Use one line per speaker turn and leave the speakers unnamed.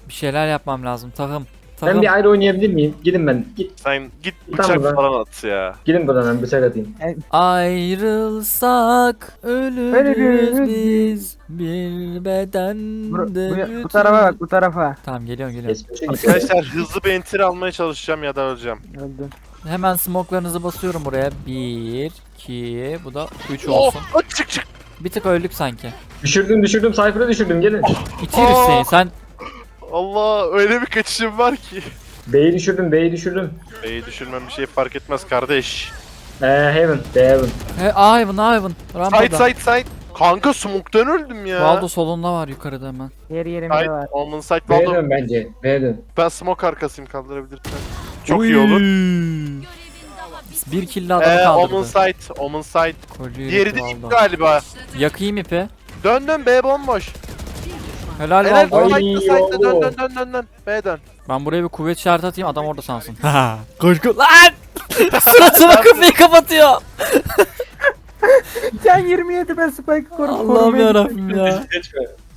Bir şeyler yapmam lazım. Takım.
Ben bir ayrı oynayabilir miyim? Gidin ben. Git.
Sen git
Tamam
bıçak
lan.
falan at ya.
Gidin buradan ben bıçak atayım.
Ayrılsak ölürüz biz bir bedende.
Bu tarafa bak, bu tarafa.
Tamam geliyorum.
Geçmişe git.
Arkadaşlar hızlı bir enter almaya çalışacağım ya da öleceğim.
Öldüm.
Hemen smoke'larınızı basıyorum buraya. 1, 2, bu da 3
Oh,
olsun.
çık.
Bir tık öldük sanki.
Düşürdüm. Cypher'ı düşürdüm. Gelin.
İçeriz seni. Sen
Allah öyle bir kaçışım var ki.
B'yi düşürdüm.
B'yi düşürmem bir şey fark etmez kardeş.
Heaven. Heaven.
Ivan. Rampada.
Side. Kanka smoke'tan öldüm ya.
Valdo solunda var yukarıda hemen.
Yer yerimde
Side,
var.
Omen side
B'ye
Valdo.
dön bence. B'ye dön.
Ben smoke arkasıyım kaldırabilirsen. Çok iyi olur.
Bir kill adamı
Omen
kaldırdı.
side.
Kolyeyi
Diğeri de
Valdo.
ip galiba.
Yakayım ipi.
Dön B bomboş.
Helal
Helal
Valdo.
Ay,
side'da
Valdo.
dön. B dön.
Ben buraya bir kuvvet işareti atayım adam orada sansın. Koş lan! Suratıma kapıyı kapatıyor.
Sen 27 ben spike korum.
Allah'ım yarabbim ya.
Geçme.